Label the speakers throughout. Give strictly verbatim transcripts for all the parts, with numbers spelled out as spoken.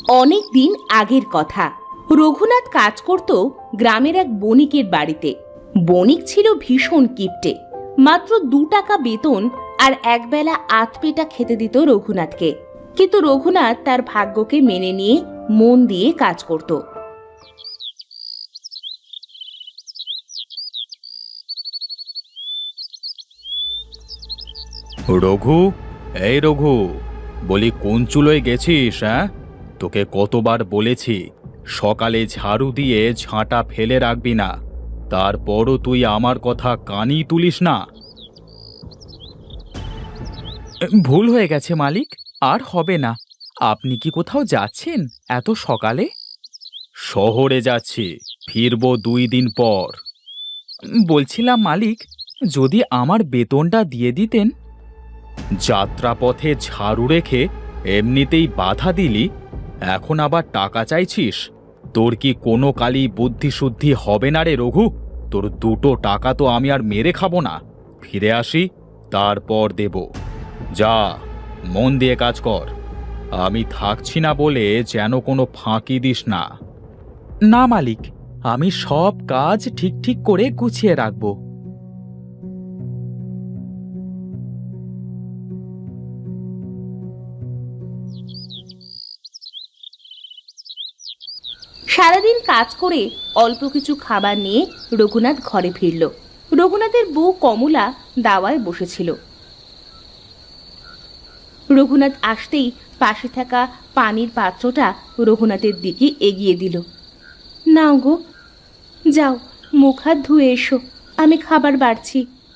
Speaker 1: অনেক দিন আগের কথা। রঘুনাথ কাজ করত গ্রামের এক বণিকের বাড়িতে। বণিক ছিল ভীষণ কিপটে। মাত্র দু টাকা বেতন আর একবেলা আধপেটা খেতে দিত রঘুনাথকে। কিন্তু রঘুনাথ তার ভাগ্যকে মেনে নিয়ে মন দিয়ে কাজ করত।
Speaker 2: রঘু, এই রঘু, বলি কোন চুলোয় গেছিস? হ্যাঁ, তোকে কতবার বলেছি সকালে ঝাড়ু দিয়ে ঝাঁটা ফেলে রাখবি না, তারপরও তুই আমার কথা কানই তুলিস না। ভুল হয়ে গেছে মালিক, আর হবে না। আপনি কি কোথাও যাচ্ছেন এত সকালে? শহরে যাচ্ছি, ফিরবো দুই দিন পর। বলছিলাম মালিক, যদি আমার বেতনটা দিয়ে দিতেন। যাত্রাপথে ঝাড়ু রেখে এমনিতেই বাধা দিলি, এখন আবার টাকা চাইছিস? তোর কি কোনো কালই বুদ্ধিশুদ্ধি হবে না রে রঘু? তোর দুটো টাকা তো আমি আর মেরে খাবো না। ফিরে আসি, তারপর দেব। যা, মন দিয়ে কাজ কর। আমি থাকছি না বলে যেন কোনো ফাঁকি দিস না। না মালিক, আমি সব কাজ ঠিক ঠিক করে গুছিয়ে রাখবো।
Speaker 1: সারাদিন কাজ করে অল্প কিছু খাবার নিয়ে রঘুনাথ ঘরে ফিরল। রঘুনাথের বউ কমলা দাওয়ায় বসেছিল। রঘুনাথ আসতেই পাশে থাকা পানির পাত্রটা রঘুনাথের দিকে এগিয়ে দিল। নাও গো, যাও মুখ হাত ধুয়ে এসো, আমি খাবার বাড়ছি।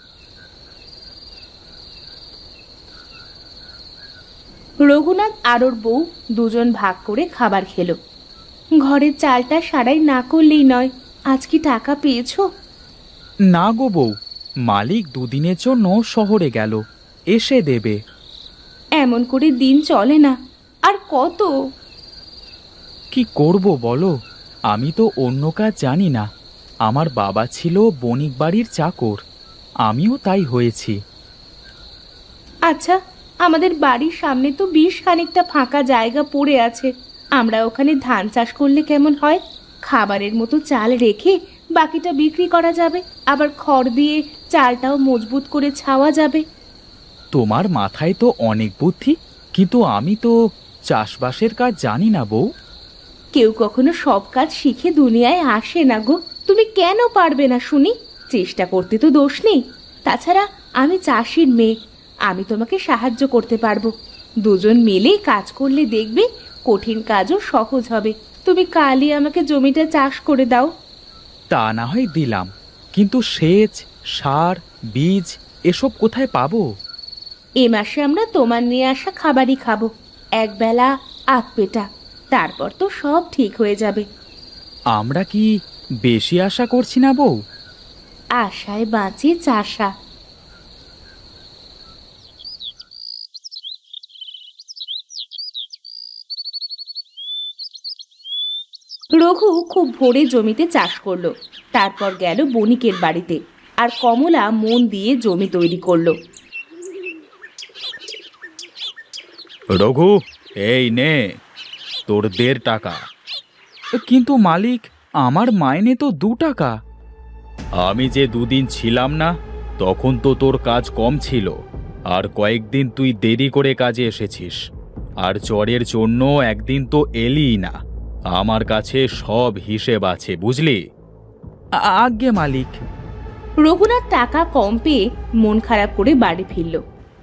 Speaker 1: রঘুনাথ আর ওর বউ দুজন ভাগ করে খাবার খেলো। ঘরের চালটা সারাই না করলেই নয়। আজ কি টাকা পেয়েছো?
Speaker 2: না গো বউ, মালিক দুদিনের জন্য শহরে গেল, এসে দেবে।
Speaker 1: এমন করে দিন চলে না, আর কত?
Speaker 2: কি করব বলো, আমি তো অন্য কাজ জানি না। আমার বাবা ছিল বণিক বাড়ির চাকর, আমিও তাই হয়েছি।
Speaker 1: আচ্ছা, আমাদের বাড়ির সামনে তো বেশ খানিকটা ফাঁকা জায়গা পড়ে আছে। আমরা ওখানে ধান চাষ করলে কেমন হয়? খাবারের মতো চাল রেখে বাকিটা বিক্রি করা যাবে, আবার খড় দিয়ে চালটাও মজবুত করে ছাওয়া যাবে।
Speaker 2: তোমার মাথায় তো অনেক বুদ্ধি, কিন্তু আমি তো চাষবাসের কাজ জানি না বউ।
Speaker 1: কেউ কখনো সব কাজ শিখে দুনিয়ায় আসে না গো। তুমি কেন পারবে না শুনি? চেষ্টা করতে তো দোষ নেই। তাছাড়া আমি চাষির মেয়ে, আমি তোমাকে সাহায্য করতে পারবো। দুজন মিলে কাজ করলে দেখবে কঠিন কাজও সহজ হবে। তুমি কালই আমাকে জমিটা চাষ করে দাও।
Speaker 2: তা না হয় দিলাম, কিন্তু সেচ, সার, বীজ এসব কোথায় পাবো?
Speaker 1: এ মাসে আমরা তোমার নিয়ে আসা খাবারই খাবো, একবেলা আধ পেটা। তারপর তো সব ঠিক হয়ে যাবে।
Speaker 2: আমরা কি বেশি আশা করছি না বউ?
Speaker 1: আশায় বাঁচে চাষা। রঘু খুব ভোরে জমিতে চাষ করলো। তারপর গেল বণিকের বাড়িতে, আর কমলা মন দিয়ে জমি তৈরি করলো।
Speaker 2: রঘু, এই নে তোর দেড় টাকা। কিন্তু মালিক, আমার মাইনে তো দু টাকা। আমি যে দুদিন ছিলাম না, তখন তো তোর কাজ কম ছিল, আর কয়েকদিন তুই দেরি করে কাজে এসেছিস, আর জ্বরের জন্য একদিন তো এলিই না। আমার কাছে সব হিসেব আছে, বুঝলি? আজ্ঞে মালিক।
Speaker 1: রঘুনাথ টাকা কম পেয়ে মন খারাপ করে বাড়ি ফিরল।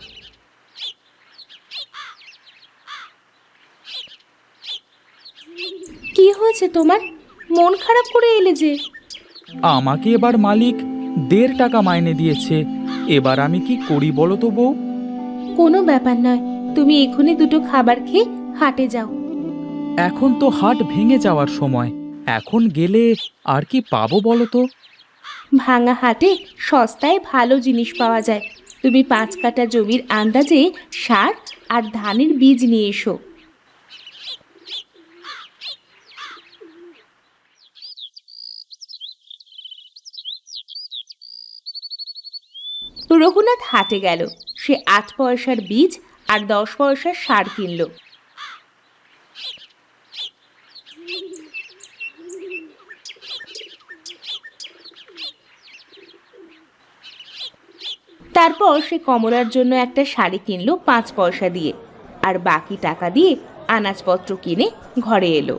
Speaker 1: কি হয়েছে তোমার? মন খারাপ করে এলে যে?
Speaker 2: আমাকে এবার মালিক দেড় টাকা মাইনে দিয়েছে, এবার আমি কি করি বলো তো বউ?
Speaker 1: কোনো ব্যাপার নয়, তুমি এখনই দুটো খাবার খেয়ে হাটে যাও।
Speaker 2: এখন তো হাট ভেঙে যাওয়ার সময়, এখন গেলে আর কি পাবো বলো তো?
Speaker 1: ভাঙা হাটে সস্তায় ভালো জিনিস পাওয়া যায়। তুমি পাঁচ কাঠা জমির আন্দাজে সার আর ধানের বীজ নিয়ে এসো। রঘুনাথ হাটে গেল। সে আট পয়সার বীজ আর দশ পয়সার সার কিনল। তারপর সে কমলার জন্য একটা শাড়ি কিনলো পাঁচ পয়সা দিয়ে, আর বাকি টাকা দিয়ে আনাজপত্র কিনে ঘরে এলো।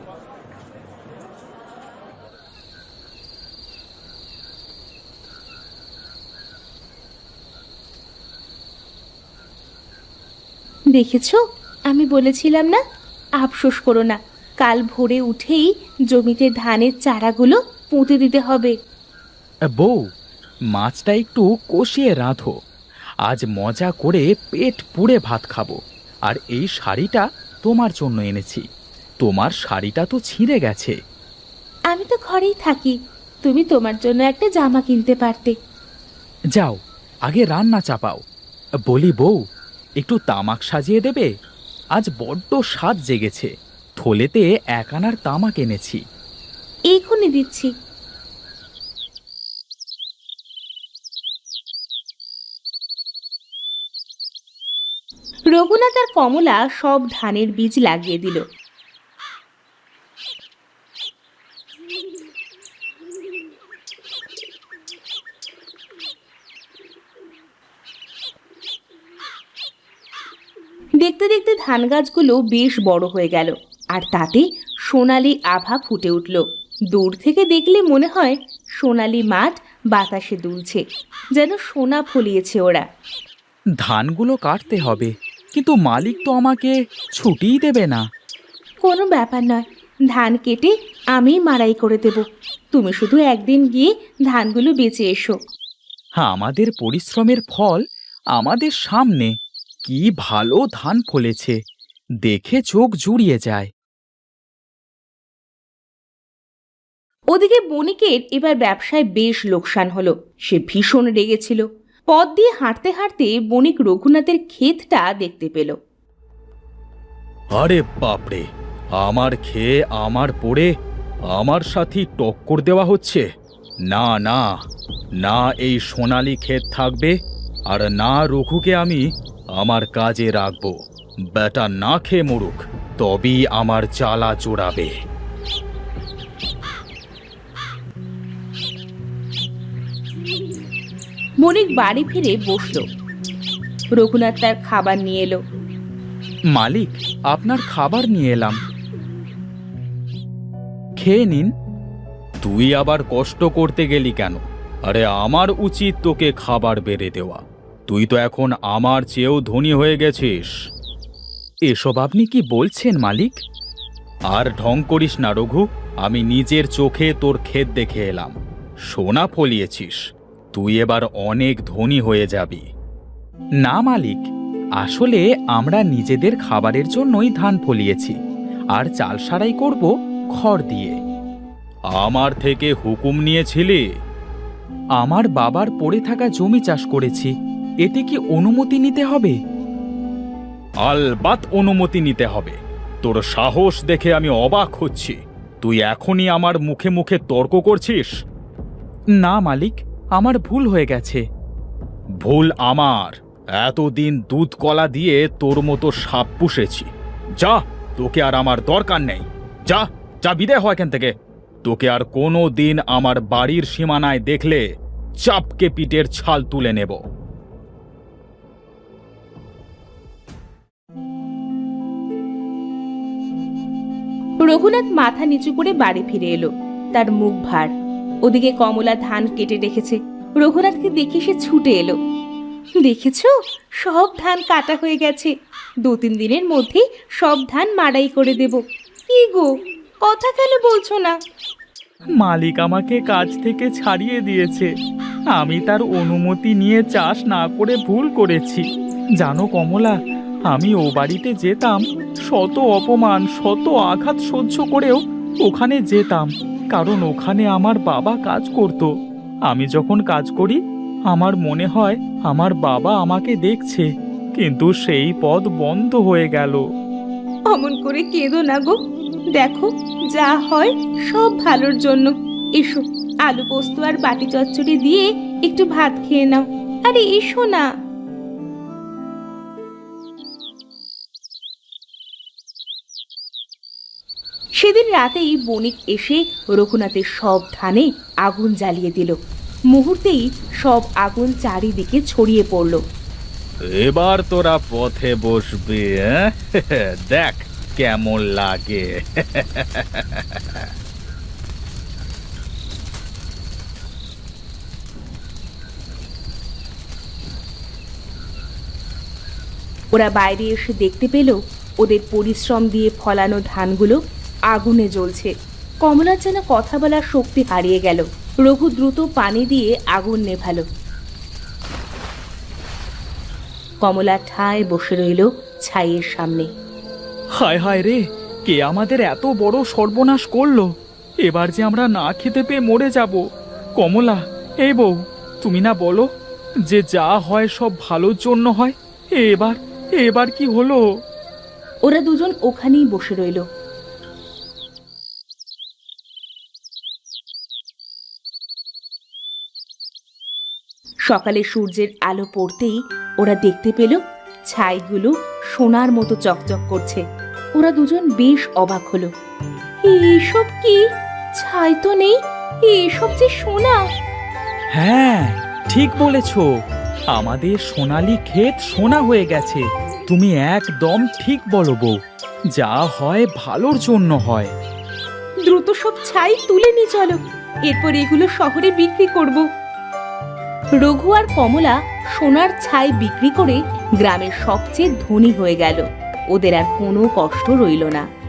Speaker 1: দেখেছো, আমি বলেছিলাম না, আফসোস করো না, কাল ভোরে উঠেই জমিতে ধানের চারাগুলো পুঁতে দিতে হবে।
Speaker 2: বউ, মাছটা একটু কষিয়ে রাঁধো, আজ মজা করে পেট পুড়ে ভাত খাবো। আর এই শাড়িটা তোমার জন্য এনেছি, তোমার শাড়িটা তো ছিঁড়ে গেছে।
Speaker 1: আমি তো ঘরেই থাকি, তুমি তোমার জন্য একটা জামা কিনতে পারতে।
Speaker 2: যাও, আগে রান্না চাপাও। বলি বউ, একটু তামাক সাজিয়ে দেবে? আজ বড্ড স্বাদ জেগেছে, থলেতে এক আনার তামাক এনেছি।
Speaker 1: এক্ষুনি দিচ্ছি। রঘুনাথ আর কমলা সব ধানের বীজ লাগিয়ে দিল। দেখতে দেখতে ধান গাছগুলো বেশ বড় হয়ে গেল, আর তাতে সোনালি আভা ফুটে উঠল। দূর থেকে দেখলে মনে হয় সোনালি মাঠ বাতাসে দুলছে, যেন সোনা ফলিয়েছে ওরা।
Speaker 2: ধানগুলো কাটতে হবে, কিন্তু মালিক তো আমাকে ছুটিই দেবে না।
Speaker 1: কোনো ব্যাপার নয়, ধান কেটে আমি মাড়াই করে দেব, তুমি শুধু একদিন গিয়ে ধানগুলো বেচে এসো।
Speaker 2: হ্যাঁ, আমাদের পরিশ্রমের ফল আমাদের সামনে। কি ভালো ধান ফলেছে, দেখে চোখ জুড়িয়ে যায়।
Speaker 1: ওদিকে বণিকের এবার ব্যবসায় বেশ লোকসান হলো। সে ভীষণ রেগেছিল। পথ দিয়ে হাঁটতে হাঁটতে বণিক রঘুনাথের ক্ষেতটা দেখতে পেল।
Speaker 2: আরে বাপরে, আমার খেয়ে আমার পড়ে আমার সাথে টক্কর দেওয়া হচ্ছে। না না না, এই সোনালি ক্ষেত থাকবে, আর না রঘুকে আমি আমার কাজে রাখবো। বেটা না খেয়ে মরুক, তবেই আমার জ্বালা জোড়াবে।
Speaker 1: বণিক বাড়ি ফিরে বসল। রঘুনাথ তার খাবার নিয়ে এলো।
Speaker 2: মালিক, আপনার খাবার নিয়ে এলাম, খেয়ে নিন। তুই আবার কষ্ট করতে গেলি কেন? আরে আমার উচিত তোকে খাবার বেড়ে দেওয়া, তুই তো এখন আমার চেয়েও ধনী হয়ে গেছিস। এসব আপনি কি বলছেন মালিক? আর ঢং করিস না রঘু, আমি নিজের চোখে তোর ক্ষেত দেখে এলাম, সোনা ফলিয়েছিস, তুই এবার অনেক ধনী হয়ে যাবি। না মালিক, আসলে আমরা নিজেদের খাবারের জন্যই ধান ফলিয়েছি, আর চাল সারাই করব খড় দিয়ে। আমার থেকে হুকুম নিয়েছিলি? আমার বাবার পড়ে থাকা জমি চাষ করেছি, এতে কি অনুমতি নিতে হবে? আলবাত অনুমতি নিতে হবে। তোর সাহস দেখে আমি অবাক হচ্ছি, তুই এখনই আমার মুখে মুখে তর্ক করছিস। না মালিক, আমার ভুল হয়ে গেছে। ভুল আমার? এতদিন দুধ কলা দিয়ে তোর মতো সাপ পুষেছি, যা, তোকে আর আমার দরকার নেই, যা যা, বিদায় হয় এখান থেকে। তোকে আর কোনো দিন আমার বাড়ির সীমানায় দেখলে চাপকে পিঠের ছাল তুলে নেব।
Speaker 1: রঘুনাথ মাথা নিচু করে বাড়ি ফিরে এলো, তার মুখ ভার। ওদিকে কমলা ধান কেটে রেখেছে। রঘুনাথকে দেখে সে ছুটে এলো। দেখেছো, সব ধান কাটা হয়ে গেছে, দু তিন দিনের মধ্যে সব ধান মাড়াই করে দেব। কি গো, কথা কেন বলছো না?
Speaker 2: মালিক আমাকে কাজ থেকে ছাড়িয়ে দিয়েছে, আমি তার অনুমতি নিয়ে চাষ না করে ভুল করেছি। জানো কমলা, আমি ও বাড়িতে যেতাম, শত অপমান শত আঘাত সহ্য করেও ওখানে যেতাম, কারণ ওখানে আমার বাবা কাজ করত। আমি যখন কাজ করি আমার মনে হয় আমার বাবা আমাকে দেখছে, কিন্তু সেই পথ বন্ধ হয়ে গেল।
Speaker 1: অমন করে কেঁদো না গো, দেখো যা হয় সব ভালোর জন্য। এসো, আলু পোস্ত আর বাটি চচ্চড়ি দিয়ে একটু ভাত খেয়ে নাও। আরে এসো না। সেদিন রাতেই বণিক এসে রঘুনাথের সব ধানে আগুন জ্বালিয়ে দিল। মুহূর্তেই সব আগুন চারিদিকে ছড়িয়ে পড়ল।
Speaker 2: এবার তোরা পথে বসবি, হ্যাঁ? দেখ কেমন লাগে।
Speaker 1: ওরা বাইরে এসে দেখতে পেল ওদের পরিশ্রম দিয়ে ফলানো ধানগুলো আগুনে জ্বলছে। কমলার যেন কথা বলার শক্তি হারিয়ে গেল। রঘু দ্রুত পানি দিয়ে আগুন নেভালো। কমলা ঠায় বসে রইল ছাইয়ের সামনে।
Speaker 2: হায় হায় রে, কে আমাদের এত বড় সর্বনাশ করলো! এবার যে আমরা না খেতে পেয়ে মরে যাব। কমলা, এই বউ, তুমি না বলো যে যা হয় সব ভালোর জন্য হয়? এবার এবার কি হলো?
Speaker 1: ওরা দুজন ওখানেই বসে রইল। সকালে সূর্যের আলো পড়তেই ওরা দেখতে পেল ছাইগুলো সোনার মতো চকচক করছে। ওরা দুজন বেশ অবাক হলো। এইসব কি? ছাই তো নেই, এসব যে সোনা!
Speaker 2: হ্যাঁ, ঠিক বলেছ, আমাদের সোনালী ক্ষেত সোনা হয়ে গেছে। তুমি একদম ঠিক বলো বউ, যা হয় ভালোর জন্য হয়।
Speaker 1: দ্রুত সব ছাই তুলে নিয়ে চলো, এরপর এগুলো শহরে বিক্রি করব। রঘু আর কমলা সোনার ছাই বিক্রি করে গ্রামের সবচেয়ে ধনী হয়ে গেল। ওদের আর কোনো কষ্ট রইল না।